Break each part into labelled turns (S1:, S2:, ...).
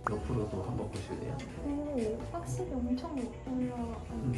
S1: 옆으로도 한번 보실래요?
S2: 오, 확실히 엄청 올라가요.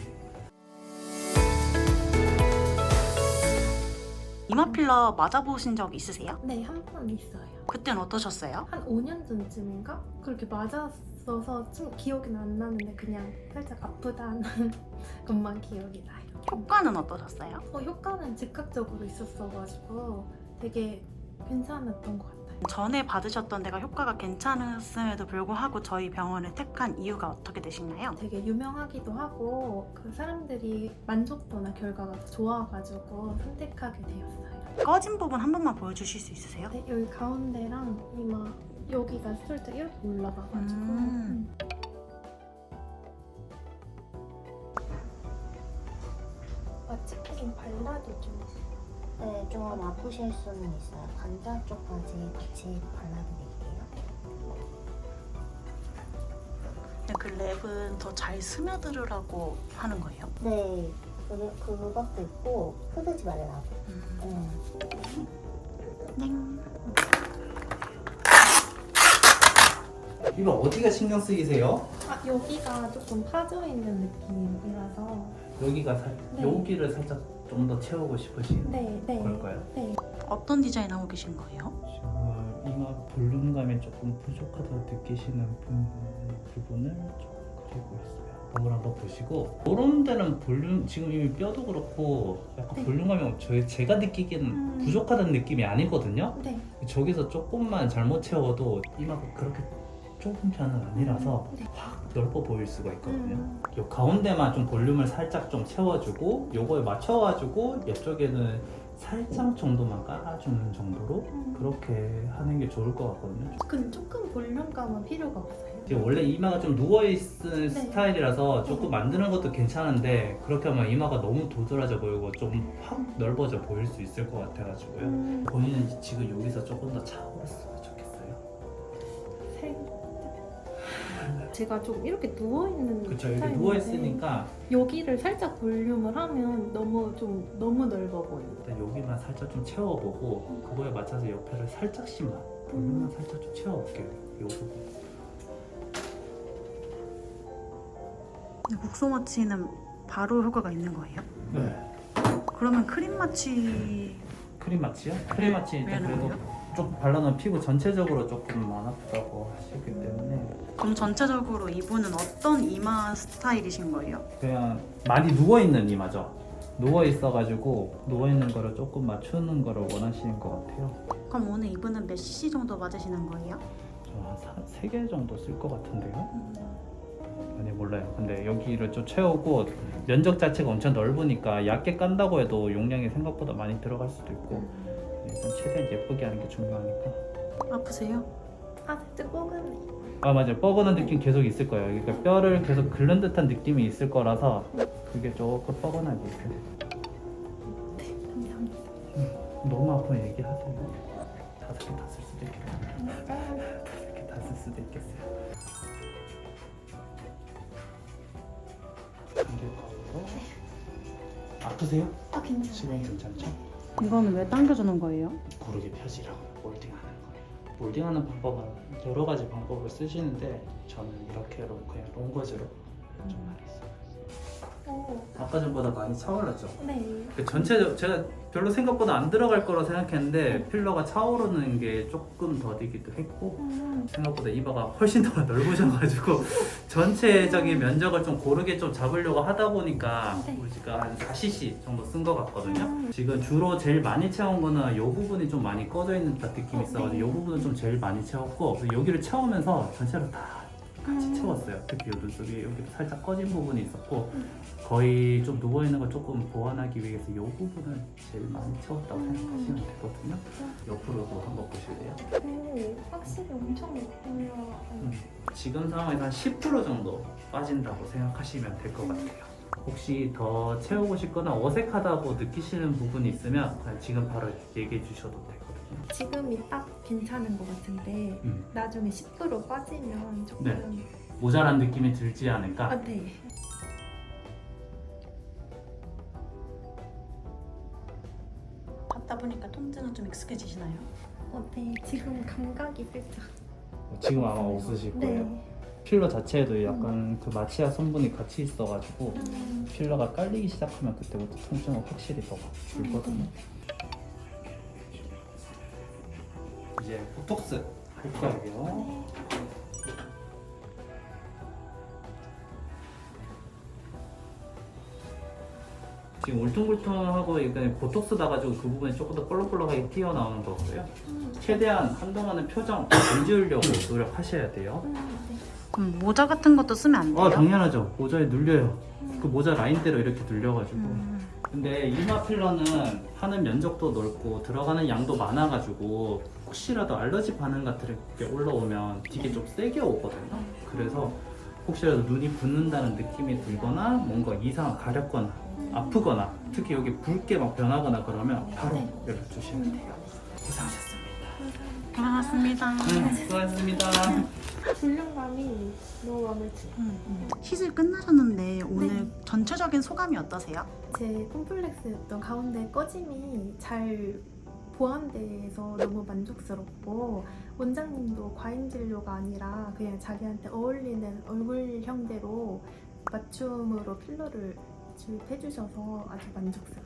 S3: 이마 필러 맞아보신 적 있으세요?
S2: 네, 한 번 있어요.
S3: 그땐 어떠셨어요?
S2: 한 5년 전쯤인가? 그렇게 맞았어서 좀 기억은 안 나는데 그냥 살짝 아프다는 것만 기억이 나요.
S3: 효과는 어떠셨어요?
S2: 효과는 즉각적으로 있었어가지고 되게 괜찮았던 것 같아요.
S3: 전에 받으셨던 데가 효과가 괜찮았음에도 불구하고 저희 병원을 택한 이유가 어떻게 되시나요?
S2: 되게 유명하기도 하고 그 사람들이 만족도나 결과가 더 좋아가지고 선택하게 되었어요.
S3: 꺼진 부분 한 번만 보여주실 수 있으세요?
S2: 네, 여기 가운데랑 이마 여기가 살짝 이렇게 올라가가지고 마취크림 발라도 좀
S4: 네, 좀 아프실 수는 있어요. 관자 쪽까지 같이 발라드릴게요.
S3: 그 랩은 더 잘 스며들으라고 하는 거예요?
S4: 네, 그것도 있고 흐르지 말라고.
S3: 땡.
S1: 이거 어디가 신경 쓰이세요?
S2: 여기가 조금 파져있는 느낌이라서
S1: 여기가
S2: 네.
S1: 여기를 살짝 좀 더 채우고 싶으신
S2: 네.
S1: 걸까요?
S2: 네.
S3: 어떤 디자인 하고 계신 거예요?
S1: 지금 이마 볼륨감이 조금 부족하다고 느끼시는 부분을 조금 그리고 있어요. 거울 한번 보시고 이런 데는 볼륨 지금 이미 뼈도 그렇고 약간
S2: 네.
S1: 볼륨감이 제가 느끼기에는 부족하다는 느낌이 아니거든요.
S2: 네.
S1: 저기서 조금만 잘못 채워도 이마가 그렇게 좁은 편은 아니라서
S2: 네.
S1: 확 넓어 보일 수가 있거든요. 요 가운데만 좀 볼륨을 살짝 좀 채워주고 요거에 맞춰가지고 옆쪽에는 살짝 정도만 깔아주는 정도로 그렇게 하는 게 좋을 것 같거든요.
S2: 근데 조금 볼륨감은 필요가 없어요.
S1: 지금 원래 이마가 좀 누워있는 스타일이라서 조금 만드는 것도 괜찮은데 그렇게 하면 이마가 너무 도드라져 보이고 좀 확 넓어져 보일 수 있을 것 같아가지고요. 본인은 지금 여기서 조금 더 차오르었으면 좋겠어요.
S2: 제가 좀 이렇게 누워있는
S1: 그쵸, 이렇게
S2: 스타일인데
S1: 누워있으니까
S2: 여기를 살짝 볼륨을 하면 너무 넓어 보여요.
S1: 일단 여기만 살짝 좀 채워보고 그거에 맞춰서 옆에를 살짝씩만 볼륨만 살짝 좀 채워볼게요. 요 부분.
S3: 국소 마취는 바로 효과가 있는 거예요?
S1: 네.
S3: 그러면 크림 마취
S1: 크림 마취요? 크림 마취 일단
S3: 왜
S1: 그래도
S3: 나와요?
S1: 좀 발라놓은 피부 전체적으로 조금 안 아프다고 하시기 때문에
S3: 그럼 전체적으로 이분은 어떤 이마 스타일이신 거예요?
S1: 그냥 많이 누워있는 이마죠. 누워있어가지고 누워있는 거를 조금 맞추는 거를 원하시는 것 같아요.
S3: 그럼 오늘 이분은 몇 cc 정도 맞으시는 거예요?
S1: 저한 3개 정도 쓸 것 같은데요? 아니 몰라요. 근데 여기를 좀 채우고 면적 자체가 엄청 넓으니까 얇게 깐다고 해도 용량이 생각보다 많이 들어갈 수도 있고 일단 최대한 예쁘게 하는 게 중요하니까.
S3: 아프세요?
S2: 살짝 뻐근해.
S1: 아 맞아요. 뻐근한 느낌 계속 있을 거예요. 그러니까 뼈를 계속 긁는 듯한 느낌이 있을 거라서 그게 조금 뻐근하게 있어요.
S2: 네, 감사합니다.
S1: 너무 아프면 얘기하세요. 5개 다 쓸 수도 있겠어요. 5개 다 쓸 수도 있겠어요. 아프세요? 지금
S2: 괜찮아요.
S1: 괜찮죠?
S3: 이거는 왜 당겨주는 거예요?
S1: 고르게 펴지라고 몰딩하는 거예요. 몰딩하는 방법은 여러 가지 방법을 쓰시는데 저는 이렇게로 그냥 롱거즈로 좀 하겠어요. 아까 전보다 많이 차올랐죠?
S2: 네.
S1: 전체 제가 별로 생각보다 안 들어갈 거라 생각했는데 필러가 차오르는 게 조금 더디기도 했고 생각보다 이마가 훨씬 더 넓으셔가지고 전체적인 면적을 좀 고르게 좀 잡으려고 하다 보니까
S2: 네.
S1: 우리가 한 4cc 정도 쓴 것 같거든요. 지금 주로 제일 많이 채운 거는 이 부분이 좀 많이 꺼져 있는 듯한 느낌이 있어가지고 이 부분은 좀 제일 많이 채웠고 그래서 여기를 채우면서 전체로 다 같이 채웠어요. 특히 이 눈썹이 여기 살짝 꺼진 부분이 있었고 거의 좀 누워있는 걸 조금 보완하기 위해서 이 부분을 제일 많이 채웠다고 생각하시면 되거든요. 옆으로도 한번 보실래요?
S2: 오, 확실히 엄청 올라가요.
S1: 지금 상황에서 한 10% 정도 빠진다고 생각하시면 될 것 같아요. 혹시 더 채우고 싶거나 어색하다고 느끼시는 부분이 있으면 그냥 지금 바로 얘기해 주셔도 되거든요.
S2: 지금이 딱 괜찮은 것 같은데 나중에 10% 빠지면 조금
S1: 네. 모자란 느낌이 들지 않을까?
S2: 네.
S3: 받다 보니까 통증은 좀 익숙해지시나요?
S2: 네. 지금 감각이 살짝
S1: 지금 아마 없으실 거예요.
S2: 네.
S1: 필러 자체에도 약간 그 마취약 성분이 같이 있어가지고 필러가 깔리기 시작하면 그때부터 통증은 확실히 더 줄거든요. 이제 보톡스 할 거예요. 지금 울퉁불퉁하고 이게 보톡스 나가지고 그 부분이 조금 더 볼록볼록하게 튀어나오는 거고요. 최대한 한동안은 표정 안 지우려고 노력하셔야 돼요.
S2: 네.
S3: 그럼 모자 같은 것도 쓰면 안 돼요?
S1: 당연하죠. 모자에 눌려요. 그 모자 라인대로 이렇게 눌려가지고.
S3: 음.
S1: 근데 이마 필러는 하는 면적도 넓고 들어가는 양도 많아가지고 혹시라도 알러지 반응 같은 게 올라오면 되게 좀 세게 오거든요. 그래서 혹시라도 눈이 붓는다는 느낌이 들거나 뭔가 이상 가렵거나 아프거나 특히 여기 붉게 막 변하거나 그러면 바로 연락 주시면 돼요. 고생하셨습니다.
S3: 고맙습니다.
S1: 수고하셨습니다.
S2: 볼륨감이 너무 마음에 들어요.
S3: 시술 끝나셨는데 오늘 전체적인 소감이 어떠세요?
S2: 제 콤플렉스였던 가운데 꺼짐이 잘 보완돼서 너무 만족스럽고 원장님도 과잉 진료가 아니라 그냥 자기한테 어울리는 얼굴형대로 맞춤으로 필러를 주입해 주셔서 아주 만족스러워요.